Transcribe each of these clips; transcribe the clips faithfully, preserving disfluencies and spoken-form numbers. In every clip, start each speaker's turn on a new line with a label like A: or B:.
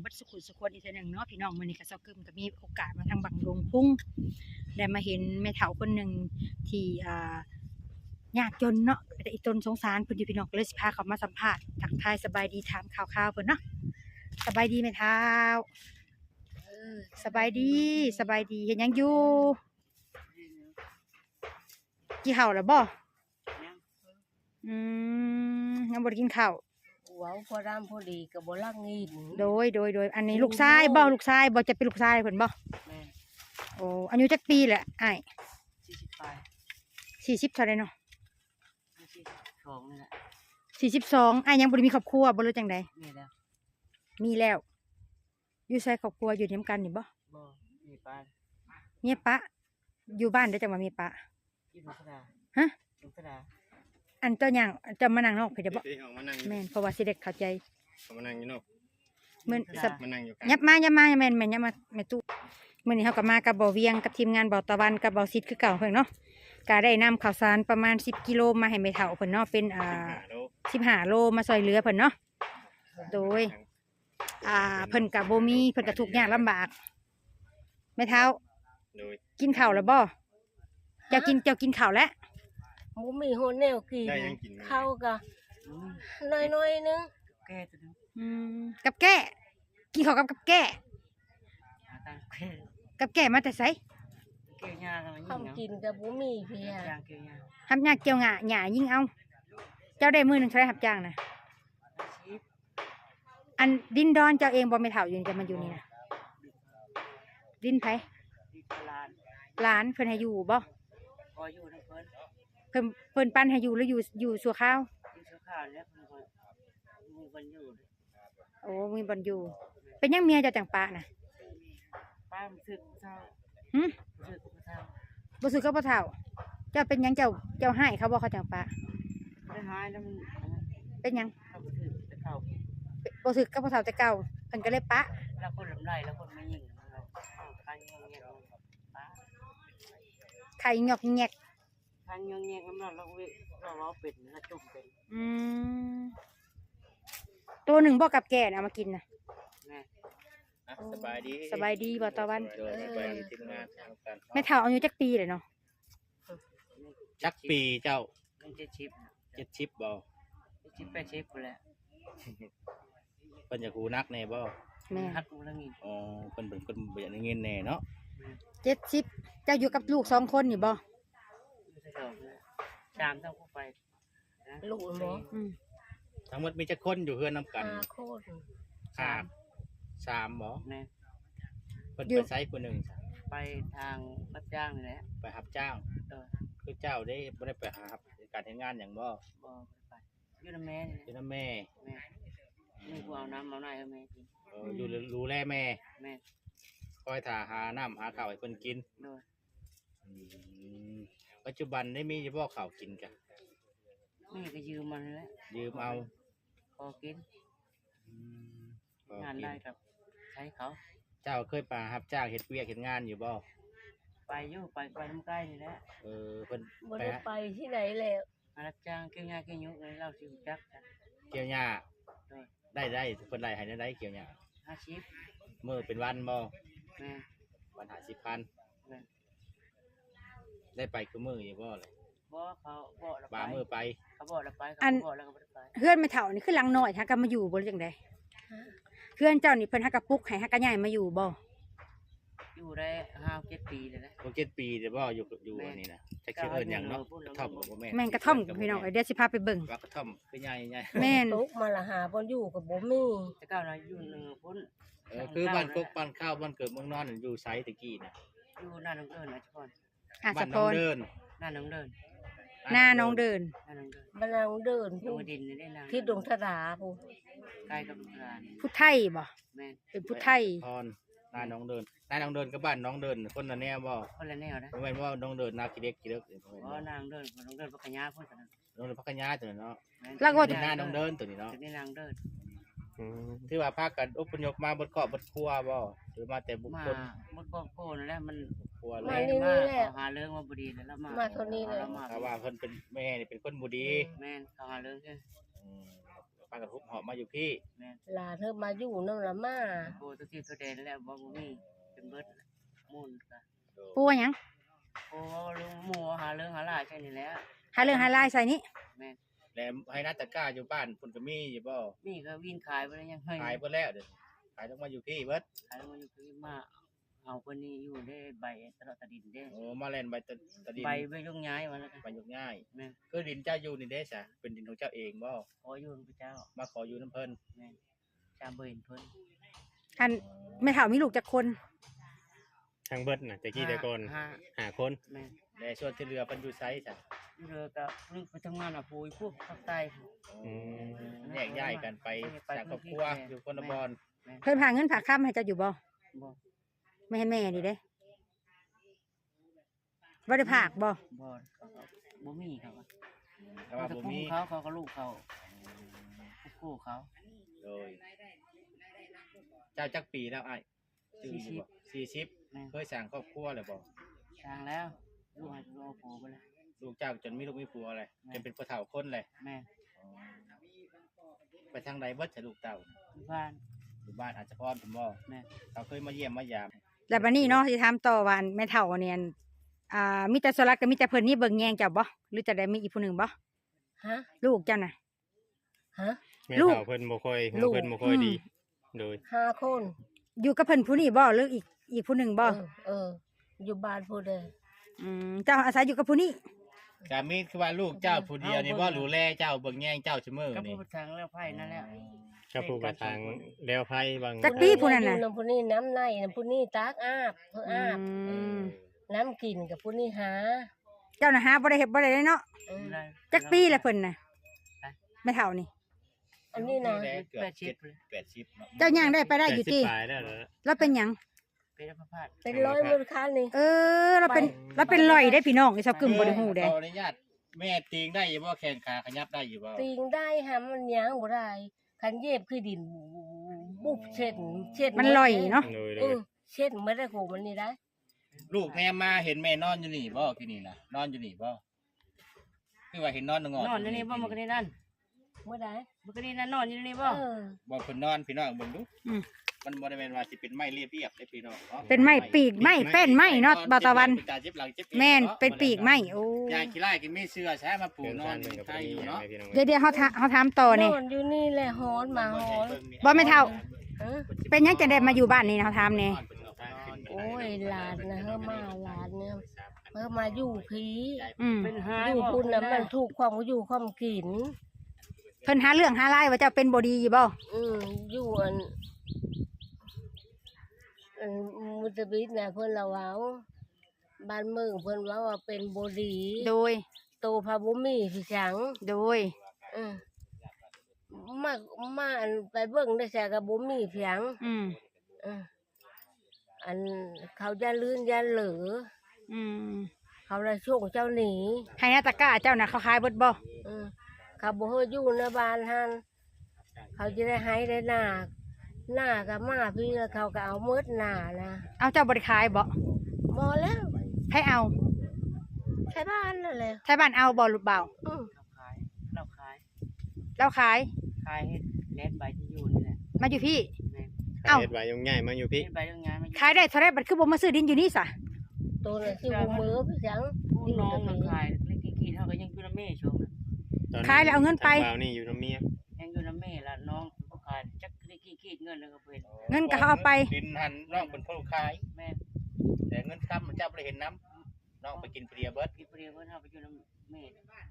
A: บัดสุขุสุขวนอีกเทื่อหนึงเนาะพี่น้องมื้อนี้ก็เซากึมก็มีโอกาสมาทางบังดงพุ่งได้มาเห็นแม่เฒ่าคนหนึงที่อ่ายากจนเนาะแต่อีตนสงสารเพิ่นอยู่พี่น้องก็เลยสิพาเขามาสัมภาษณ์ทักทายสบายดีถามข่าวๆเพิ่นเนาะสบายดีแม่เฒ่าเออสบายดีสบายดีเฮ็ดหยังอยู่กินข้าวแล้วบ่อืมยังบ่ได้กินข้าว
B: เว้าพอรำพอดีก็บ่ลักงิน
A: โดยโดยโดยอันนี้ลูกชายบ่ลูกชายบ่จะเป็นลูกชายเพิ่นบ่
B: แม่น
A: โอ้อายุจักปีแหละอ้าย
B: สี่สิบปลาย
A: สี่สิบเท่าใดเนาะ
B: สี่สิบสองนี่แหละ
A: สี่สิบสองอ้ายยังบ่ได้มีครอบครัวบ่รู้จังได๋
B: มีแล้ว
A: มีแล้วอยู่ไสครอบครัวอยู่นำกันนี่บ่
B: บ่มีปลาย
A: เมียปะอยู่บ้านได้จังว่าเมียปะ
B: อยู่นกระดา
A: ฮะ
B: นกระดา
A: อันเจ้าหยังเจ้ามานั่งนอกเพิ่นได้บ่แม่นเพราะว่าสิได้เข้าใจ
C: เขามานั่งอยู่นอก
A: มื้อสับ
C: มานั่งอยู่
A: ยับมายับมาแม่นแม่นยับมาแม่ตู้มื้อนี้เฮาก็มากับบ่เวียงกับทีมงานบ่ตะวันกับบ่ซิดคือเก่าเพิ่นเนาะก็ได้นำข้าวสารประมาณสิบกิโลมาให้แม่เฒ่าเพิ่นเนาะเป็นอ่าสิบห้าโลมาช่วยเหลือเพิ่นเนาะโดยอ่าเพิ่นก็บ่มีเพิ่นก็ทุกข์ยากลำบากแม่เฒ่า
C: โดย
A: กินข้าวแล้วบ่เจ้ากินเจ้ากินข้าวแล้ว
B: บ่มีโฮแนวกินข้าวก็น้อยๆนึงแก่ตัวนึง
A: อืมกับแก้กินข้าวกับกับแก้กับแก้มาแต่ไส
B: เกี่ยวยาก็ทำกินก็บ่มีเพียยางเกี่ยวยา
A: ทำยากเกี่ยวงะหญ้ายิ่งเอาเจ้าได้มื้อนึงเท่าไหร่รับจ้างน่ะอันดินดอนเจ้าเองบ่แม่เฒ่าอยู่นี่จะมาอยู่นี่น่ะดินไผหลานเพิ่นให้อยู่บ่
B: บ่อยู่นำเพิ่น
A: เพิ่นเพิ่นปั้นให้อยู่หรืออยู่อยู่ชั่วคราว
B: อยู่ชั่วคราวแล้วเพิ่นก็มีบ่อยู่
A: โอ้มีบ่อยู่เป็นยังเมียเจ้าจังปะน่ะ
B: ป้าสึกเฒ่า
A: หึ
B: สึกเฒ่า
A: บ่สึกกับบ่เฒ่าเจ้าเป็นหยังเจ้าเจ้าให้เขาบ่เขาจังปะ
B: ได้หายแล้วมัน
A: เป็นหยัง
B: เขาบ่สึกแต่เก่า
A: บ่สึกกับบ่เฒ่าแต่เก่าเพิ่นก็เลยปะ
B: แล้วคนลำไรแล้วคนมายิงเราคันยองแยกปะ
A: ไข่หยอกแยก
B: คันยองแยกน้ำเราเราเราเราเป็ดนะจุ่มเป็น
A: อืมตัวหนึ่งบ่กับแก่เอามากินน่ะ
B: แม่
C: สบายดี
A: สบายดีบ่ตะวัน
C: สบายดีทีมงานทำกัน
A: แม่เฒ่าอายุจักปีเลยเนาะ
C: จักปีเจ้า
B: เจ็ดชิป
C: เจ็ดชิปบ่
B: ชิปแปดชิปแหละ
C: เพิ่นจะคูนักแน่บ่
A: แม่
B: ฮัดกูแล้วงี้
C: อ๋อเพิ่นเป็นคนบ่อยากได้เงินแน่เนาะ
A: เจ็ดสิบเจ้าอยู่กับลูกสองคนนี่บ่
B: สามต้องเข้าไปลูกบ่
C: ทั้งหมดมีจักคนอยู่เฮือนนำกัน
B: ห้าคน
C: ห้าสามบ่
B: แม่
C: เพิ่นไปไสผู้นึง
B: ไปทางรับจ้างนี่แหละ
C: ไปรับจ้าง
B: เออ
C: คือเจ้าได้บ่ได้ไปหาการเฮ็ดงานหยังบ่
B: บ่ไปอยู่นำแม่
C: อยู่นำแม่
B: แม่มีผู้เอาน้ำเอาไหนให้แม่กิน
C: เอออยู่ดูแลแม่
B: แม่
C: คอยถ่าหาน้ำหาข้าวให้เพิ่นกิน
B: โดย
C: ปัจจุบันได้มีเฉพาะข้าวกินกะ
B: มีก็ยืมมันแหละ
C: ยืมเอา
B: พอกินงานได้กับใช้เขา
C: เจ้าเคยไปรับจ้างเฮ็ดเวียกเฮ็ดงานอยู่บ่
B: ไปอยู่ไปไปน้ำใกล้นี่แหละ
C: เออเพิ่น
B: บ่ได้ไปที่ไหนแล้วรับจ้างเกี่ยวหญ้าเกี่ยวยุกเลยเราสิรู้จักกัน
C: เกี่ยวหญ้าได้ได้เพิ่นได้ให้ได้เกี่ยวหญ้า
B: ห้าสิบ
C: มื้อเป็นวันบ่
B: แม่
C: วันห้าสิบพันแม่ได้ไปคือมื้ออยู่บ่เลย
B: บ่เขาบ่ละไป
C: บ่มื้อไป
B: เขาบ่ละไปเขาบ่แล้วก็บ่ได้ไป
A: เฮือนแม่เฒ่านี่คือหลังน้อยถ้าก็มาอยู่บ่จังได๋เฮือนเจ้านี่เพิ่นฮักกะปุกให้ฮักกะย้ายมาอยู่บ่
B: อยู่ได้ห้า เจ็ดปีแล้วนะ
C: หก เจ็ดปีเด้บ่อยู่อยู่อันนี้นะจักสิเอิ้นหยังเนาะกระท่อมก็บ่แม่น
A: แม่นกระท่อมพี่น้องเดี๋ยวสิพาไปเบิ่ง
C: ว่ากระท่อมคือใหญ่
A: ๆแม่น
B: ตกมาละหาบ่อยู่ก็บ่มีแต่ก้าวน่ะอยู่นึงพุ่น
C: เออคือบ้านกกบ้านข้าวบ้านเกิดเมืองนอนอยู่ไสตะกี้น่ะ
B: อยู่หน้าน้องเดินนะทุกคน
A: อ่ะสะพอน
C: เดิน
B: หน้าน้องเดิน
A: หน้าน้องเดิน
B: หน้าน้องเดินบ้านน้องเดินผู้ดินได้นางที่ดงทดาผู้ใกล้กับดงทดา
A: ผู้ไทยบ่
B: แม่น
A: เป็นผู้ไทย
C: พรหน้าน้องเดินหน้าน้องเดินกับบ้านน้องเดินคนละแนวบ่
B: คนละแนวนะ
C: บ่แม่นว่าน้องเดินนาขี้เล็กขี้เล็ก
B: อ๋อนางเดินน้องเดินพักยาพุ่นกัน
C: น้องเดินพักยาตัวเนาะ
A: แล้วก็
C: หน้าน้องเดินตัวนี้เนาะ
B: ตัวนี้นางเดิน
C: ที่ว่าพากันอพยพมาบนเกาะบนครัวบ่หรือมาแต่บุคคล
B: บนเกาะโก้นั่นแหละมัน
C: ครัว
B: เลยมาหาเรื่องมาบ่ดีแล้วมา
A: มาตัวนี้เลย
C: ถ้าว่าเพิ่นเป็นแม่นี่เป็นคนบ่ดี
B: แม่นเขาหาเรื่องใช่
C: อืมพากันฮุบหอบมาอยู่พี่
B: หลานเธอมาอยู่นำละมา
D: โอ้ตัวที่ตัวเด่นแล้วบ่บ่มีเป็นเบิดมูลก็
A: ปูว่าหยัง
D: โอ้ลุงหมู่หาเรื่องหาหลายใช่นี่แหละ
A: หาเรื่องหาลายใส่นี้
D: แม่น
C: แล้วให้นัตตะกร้าอยู่บ้านเพิ่นก็มีอยู่บ่
D: มีก็วินขายไปแล้วยังให้
C: ขายเบิดแล้วเด้อขายต้องมาอยู่พี่เบิด
D: ขายแล้วมันอยู่คือมาเอาคนนี้อยู่ได้ใบตลอดตะดินได้
C: โอ้มาแล่นใบตะตะดิน
D: ใบไปยกย้ายมาแล้วกัน
C: ใบยกง่าย
D: แม่น
C: คือดินเจ้าอยู่นี่เด้ซะเป็นดินของเจ้าเองบ่
D: ขออยู่พระเจ้า
C: มาขออยู่น้ำเพิ่น
D: แม่นจามเบิ่นเพิ่น
A: อันแม่เฒ่ามีลูกจักคน
E: ทางเบิดน่ะตะกี้แต่ก่อน
D: ห้า
E: หาคน
D: แม่น
C: และส่วนที่เหลือเพิ่นอยู่ไสซะ
D: เรือก็ลึกไปทำงานอ่ะปุยพวกภาคใต้
E: อืม
C: แยกย้ายกันไปสร้างครอบครัวอยู่คนละบอน
A: เพิ่นพาเงินฝากค้ำให้เจ้าอยู่บ่
D: บ่
A: ไม่ให้แม่นี่เด้บ่ได้ฝากบ่
D: บ่เขาก็บ่มีเขาก็
C: ถ้าว่าบ่มี
D: เขาเขาก็ลูกเขาคู่เขา
C: โดยเจ้าจักปีแล้วอ้ายชื่ออยู่บ่สี่สิบ
D: แม่น
C: เคยสร้างครอบครัวแล้วบ่
D: ทางแล้วลูกให้ลูกโผล่ไปเลย
C: ลูกเจ้าจนมีลูกมีผัวเลย
D: แม่
C: จนเป็นผู้เฒ่าคนเลย
D: แม่
C: ไปทางใดเบิดจะลูกเต่า
D: บ้าน
C: อยู่บ้านอาจจะพรผมบ่
D: แม่
C: เขาเคยมาเยี่ยมมายาม
A: แล้วบัดนี้เนาะสิถามต่อว่าอันแม่เฒ่าเนี่ยอันอ่ามีแต่สลักกับมีแต่เพิ่นนี่เบิ่งแยงเจ้าบ่หรือจะได้มีอีกผู้หนึงบ่
B: ฮะ
A: ลูกเจ้าน่ะ
B: ฮะ
E: แม่
A: ลูก
E: เฒ่าเพิ่นบ่ค่อย
B: ลูก
E: เพิ่นบ่ค่อยดี โดย
B: ห้าคน
A: อยู่กับเพิ่นผู้นี้บ่หรืออีกอีกผู้หนึงบ่
B: เออเออ อยู่บ้านผู้ใด
A: อืมเจ้าอาศัยอยู่กับผู้นี้
C: กามีคือว่าลูกเจ้าผู้เดียวนี่บ่รู้แลเจ้าเบิ่งแย่งเจ้าเสมอ
D: ก็
C: นี่
D: พูดทางแล้วไพ่นั่นแหละ
E: ก็ผู้กระทางแล้วไผบาง
A: จักปีผู้นั้นน่ะ
B: อยู่ำผู้นี้น้ำในน้ำผู้นี้ตากอาบเพื่ออาบ
A: อืม
B: น้ำกินกับผู้นี้หา
A: เจ้าน่ะหาบ่ได้เฮ็ดบ่ได้เลยเนาะ
B: เออ
A: จักปีละเพิ่นน่ะแม่เฒ่านี่
B: อันนี้นะ
C: แลเกือบ
D: แปดสิบ
C: แปดสิบเนาะ
A: เจ้าย่างได้ไปได้อยู่ติ
E: แปดสิบปลายแล้วเหรอ
A: แล้วเป็นหยัง
D: เป็นพระพาด
B: เป็นร้อยมูลค่านี่
A: เออเราเป็นเราเป็นลอยได้พี่น้องไอ้ชาวกึมบ่ได้ฮู้เด้
C: ขออนุญาตแม่ตีงได้อยู่บ่แข้งขาขยับได้อยู่บ่
B: ติงได้หามันยางบ่ได้คันเย็บคือดินบุบเช็ดเช็ด
A: มันลอยเนาะ
E: โดยโด
B: เอย อเช็ดไม่ได้โหมันนี่ได้
C: ลูกแม่มาเห็นแม่นอนอยู่นี่บ่ที่นี่น่ะนอนอยู่นี่บ่คือว่าเห็นนอนงอน
D: นอนอยู่นี่บ่มันก็นี่นั่น
B: เมื่อใด
D: มันก็นี่นั่นนอนอยู่นี่บ่
B: เออ
C: บ่เพิ่นนอนพี่น้องเบิ่งดู
A: อืม
C: มันบ่ได้แม่นว่าสิเป็นไม้เรียบๆได้พี่น้องนาะ
A: เป็นไม้ปีกไม้เป็นไม้เนาะบ่าวตะวัน
C: เจ็บหลังเจ็บหลังเจ็บเอว
A: แม่น
C: าะ
A: เป็นปีกไม้โอ้
C: ยายขี้ไล่กินไม่เชื่อใช้มาปู
E: เดิน
C: นอ
E: ทาน ง
C: อยู่
E: เพิ่นก็
C: ใคร
E: บ่
C: อยู่
E: มีหยัง
C: เนาะ
E: ให้พี่น้อง
A: เดี๋ยวเดี๋ยวเขาถาเขาถามต่อนี่
B: นอนอยู่นี่แหละหอนมาหอน
A: บ่แม่เฒ่า
B: เออ
A: เป็นหยังจะได้มาอยู่บ้านนี่นะเขาถามนี่
B: โอ้ยหลานนะเฮามาหลานเนี่ยเฮามาอยู่ผี
A: อืม
D: เป็นหา
B: อยู่คุณน่ะมันถูกความอยู่ความกิน
A: เพิ่นหาเรื่องหาไล่ว่าเจ้าเป็นบ่ดีบ่
B: อืมอยู่อันอันมุตบิดน่ะเพิ่นละเว้าบ้านเมืองเพิ่นเว้าว่าเป็นบ่ดี
A: โดย
B: โตพาบ่มีพี่จัง
A: โดย
B: อืมมามาอันไปเบิ่งได้แซ่ก็บ่มีเพียง
A: อืม
B: เอออันเขาจะลื่นยันเหลือ
A: อืม
B: เขาเลยช่วงเจ้าหนี
A: ให้นาตะกร้าเจ้าน่ะเขาขายเบิดบ่
B: เออเขาบ่ให้อยู่ในบ้านหันเขาจะได้ให้ได้หน้าหน้ากับมาพี่แล้วเขาก็เอามืดหน้านะ
A: เอาเจ้าบ่ได้ขายบ่
B: บ่แล้ว
A: ให้เอา
B: ใช้บ้านนั่นแหละ
A: ไทบ้านเอาบ่หรือเปล่า
B: อืม
D: เราขาย
A: เราขาย
D: ขายให้แลนใบที่อยู่นี่แหละ
A: มาอยู่พี่
D: แม่
A: เอ้า
E: เฮ็ดไว้ยงง่ายมาอยู่พี่
D: เฮ็ดใบยังไงมัน
A: ขายได้เท่าไรบัดคือบ่มาซื้อดินอยู่นี่ซะ
B: ตัวน่ะสิบ่มือพี่จัง
D: ผู้น้องมันขายเล็กๆๆเฮาก็ยังอยู่นำแม่ช่วงนั้น
E: ตอนนี้
A: ขายแล้วเอาเงินไป
E: ทางบ่าวนี่อยู่น้ำเมีย
D: ยังอยู่นำแม่ละน้องบ่ขายจักเล็กๆๆเงินแล้วก็เพิ่น
A: เงินก็เขาเอาไป
C: ดินหันน้องเป็นผู้ขาย
D: แม่
C: แต่เงินค้ำมันเจ้าบ่ได้เห็นน้ำน้องไปกินเปรียเบิด
D: กินเปรียวเพิ่นเฮาไปอยู่นำแม่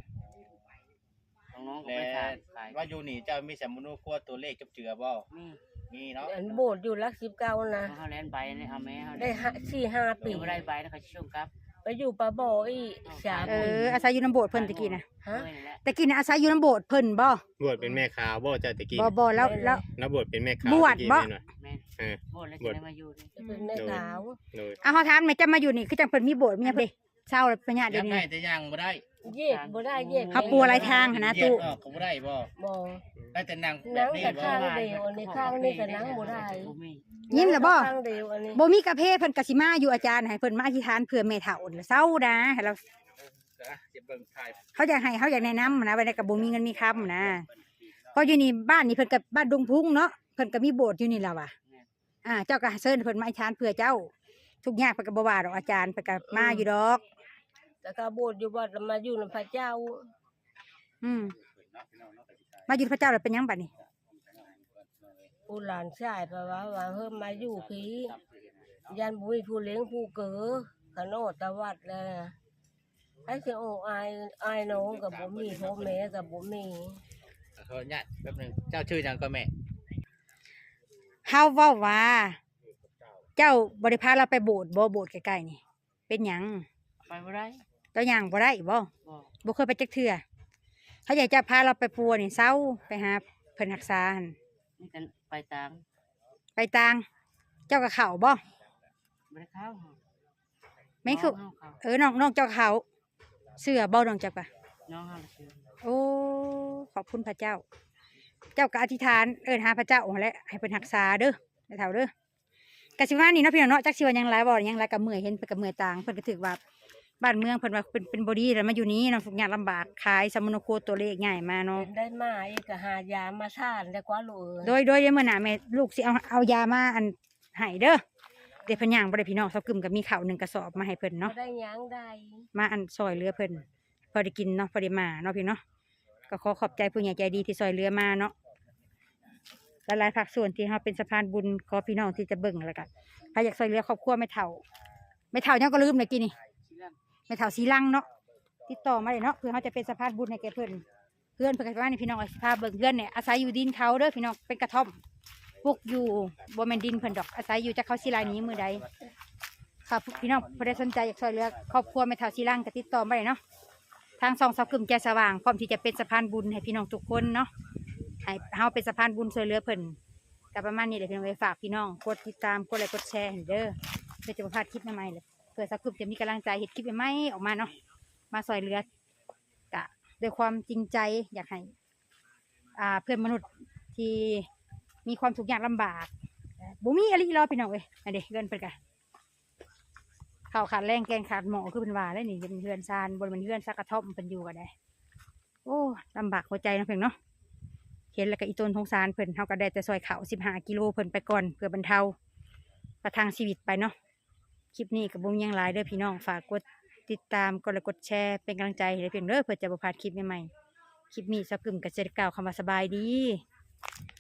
D: น้องๆก็
C: แต่
D: ไปขายขาย
C: ว่าอยู่นี่เจ้ามีสมุนครัวตัวเลขจับเจือบ่
D: มี
C: มีเนาะ
B: อันโบสถ์อยู่หลักสิบเก้านะ
D: เฮาแลนใบนี่เฮาแม่เฮา
B: ได้ห้าสี่ห้าปี
D: ปีบ่ได้ใบแล้วเขาสิส่งกลับ
B: ไปอยู่ปลาบ่ออีกสาม
A: เอ
B: ปี
A: ออาศัยอยู่น้ำโบสถ์เพิ่นตะกี้น่ะ
B: ฮะ
D: เอ้ยนั่นแหละ
A: ตะกี้น่ะอาศัยอยู่น้ำโบสถ์เพิ่นบ่
E: บวชเป็นแม่ขาวบ่เจ้าตะกี้
A: บ่บ่แล้วแล้ว
E: แล้วบวชเป็นแม่ขาว
A: บวช
E: ตะกี้
A: บ่
E: แม่นว่ะ
D: แม่น
E: เออ
D: โบสถ์แล้วจะได้มาอยู่นี่
B: จะเป็นแม่ขาว
E: โดย
A: เอาเขาถามแม่จะมาอยู่นี่คือจังเพิ่นมีโบสถ์มีหยังเด้เศร้าแล้วปัญญาเดี๋
C: ยั
A: ยว
C: ง
A: นี้
C: ได้แต่ยังบ่ได้
B: เย็ดบ่ได้เย็ด
A: เขาปูอะไรทางหั่นนะ
C: แย
A: ตู้
C: กออกก็บ่ได้บ่
B: บ่
C: ได้แต่นั่งแบ
B: นั่
C: บ
B: ง
C: นี้
B: แต่
C: บ่
B: ข้างเดียวอันนี้ข้างนี้ก็นั่งบ่ได้
D: บ่มี
A: ยินแล้วบ่
B: ข้างเดียวอันนี้
A: บ่มีกาแฟเพิ่นก็สิมาอยู่อาจารย์ให้เพิ่นมาอธิษฐานเพื่อแม่เฒ่าแล้วเศร้านะให้เรา
C: อ่ะจะเบิ่งถ่าย
A: เขาอยากให้เขาอยากแนะนำนะไว้ในก็บ่มีเงินมีคำนะเพราะอยู่นี่บ้านนี่เพิ่นกับบ้านดงพุ่งเนาะเพิ่นก็มีโบสถ์อยู่นี่แหละว่ะอ่าเจ้าก็เชิญเพิ่นมาอธิษฐานเพื่อเจ้าทุกอย่างเพิ่นก็บ่ว่าดอกอาจารย์เพิ่นก็มาอยู่ดอก
B: แต่ก็โบสถ์อยู่วัดแล้วมาอยู่นำพระเจ้า
A: อืมมาอยู่พระเจ้าแล้วเป็นหยังบัดนี้
B: ผู้หลานชายเพราะว่าว่าเฮิ่มมาอยู่พี่ยันบุ้ยผู้เลี้ยงผู้เก๋อขนอตะวัดเลยไอ้สิโอ้อายอายน้องกับบ่มีพ่อแม่กับบ่มี
C: ขออนุญาตแป๊บนึงเจ้าชื่อหยังก็แม่
A: เฮาเว้าว่า เจ้าบ่ได้พาเราไปโบสถ์บ่โบสถ์ใกล้ๆนี่ เป็นหยัง
D: ไปบ่ได้
A: เจ้าหยังบ่ได้บ่
D: บ่
A: บ่เคยไปจักเทื่อเขาอยากจะพาเราไปปัวนี่เซาไปหาเพิ่นรักษาหั่น
D: นี่กันไปตาม
A: ไปต่าง เจ้าก็เข้าบ่
D: บ่ได้เข้า
A: แม่นคือ
D: น้องเฮาเข้า
A: เออน้องน้องเจ้าเข้าเสื้อบ่น้องเจ้าก็
D: น้องเฮาละชื่อ
A: โอ้ขอบคุณพระเจ้า เจ้าก็อธิษฐานเอิ้นหาพระเจ้าหั่นแหละให้เพิ่นรักษาเด้อแม่เฒ่าเด้อกะสิว่านี่เนาะพี่น้องเนาะจักสิว่าหยังหลายบ่หยังหลายก็เมื่อยเห็นเพิ่นก็เมื่อยต่างเพิ่นก็ถือว่าบ้านเมืองเพิ่นว่าเป็นเป็นบ่ดีแล้วมาอยู่นี้เนาะทุกอย่างลำบากขายสมโนโคตัวเลขง่ายมาเนาะ
B: เป็นได้มาอีกก็หายามาทานได้กว่าลูกเอ้ย
A: โดยโดยเดี๋ยวมื่อหน้าแม่ลูกสิเอาเอายามาอันให้เด้อเดี๋ยวเพิ่นย่างบ่ได้พี่น้องเซากึมกับมีข้าวหนึ่งกระสอบมาให้เพิ่น
B: บ่
A: เนาะ
B: ได้หยังได้
A: มาอันซอยเรือเพิ่นพอได้กินเนาะพอได้มาเนาะพี่เนาะก็ขอขอบใจผู้ใหญ่ใจดีที่ซอยเรือมาเนาะหลายๆภาคส่วนที่เฮาเป็นสะพานบุญขอพี่น้องที่จะเบิ่งแล้วก็ใครอยากซอยเรือครอบครัวแม่เฒ่าแม่เฒ่ายังก็ลืมเลยกี่นี่
D: สิลัง
A: แม่เฒ่าสีลังเนาะติดต่อมาเลยเนาะเพื่อเขาจะเป็นสะพานบุญให้แก่เพิ่นเพื่อนเพิ่นก็ว่านี่พี่น้องเอาสิพาเบิ่งเพื่อนเนี่ยอาศัยอยู่ดินเขาเด้อพี่น้องเป็นกระท่อมปลูกอยู่บ่แม่นดินเพิ่นดอกอาศัยอยู่จากเขาศิลานี้มือใดครับพี่น้องผู้ใดสนใจอยากช่วยเหลือครอบครัวแม่เฒ่าศิลังก็ติดต่อมาได้เนาะทางซองเสากึ่มแก่สว่างพร้อมที่จะเป็นสะพานบุญให้พี่น้องทุกคนเนาะให้เฮาเป็นสะพานบุญช่วยเหลือเพิ่นก็ประมาณนี้แหละพี่น้องไปฝากพี่น้องกดติดตามกดไลค์กดแชร์ให้เด้อเพื่อจะบ่พลาดคลิปใหม่ๆเลยเพื่อเสากึ่มจะมีกำลังใจเฮ็ดคลิปใหม่ๆออกมาเนาะมาช่วยเหลือกะด้วยความจริงใจอยากให้อ่าเพื่อนมนุษย์ที่มีความทุกข์ยากลำบากบ่มีอะไรรอพี่น้องเอ้ยอันเด้เงินเพิ่นกะข้าวขาดแรงแกงขาดหมอคือเป็นว่าได้นี่เป็นเฮือนซานบนเป็นเฮือนซักกระท่อมเป็นอยู่กันได้โอ้ลำบากหัวใจนะเพิ่นเนาะเห็นแล้วก็อีต้นทงสารเพิ่นเฮาก็ได้แต่ซอยข้าวสิบห้ากิโลเพิ่นไปก่อนเพื่อบรรเทาประทังชีวิตไปเนาะคลิปนี้ก็บ่มีหยังหลายเด้อพี่น้องฝากกดติดตามกดไลค์กดแชร์เป็นกำลังใจให้เพียงเด้อเพื่อจะบ่พลาดคลิปใหม่ๆคลิปนี้เสากึ่มก็จะได้กล่าวคำว่าสบายดี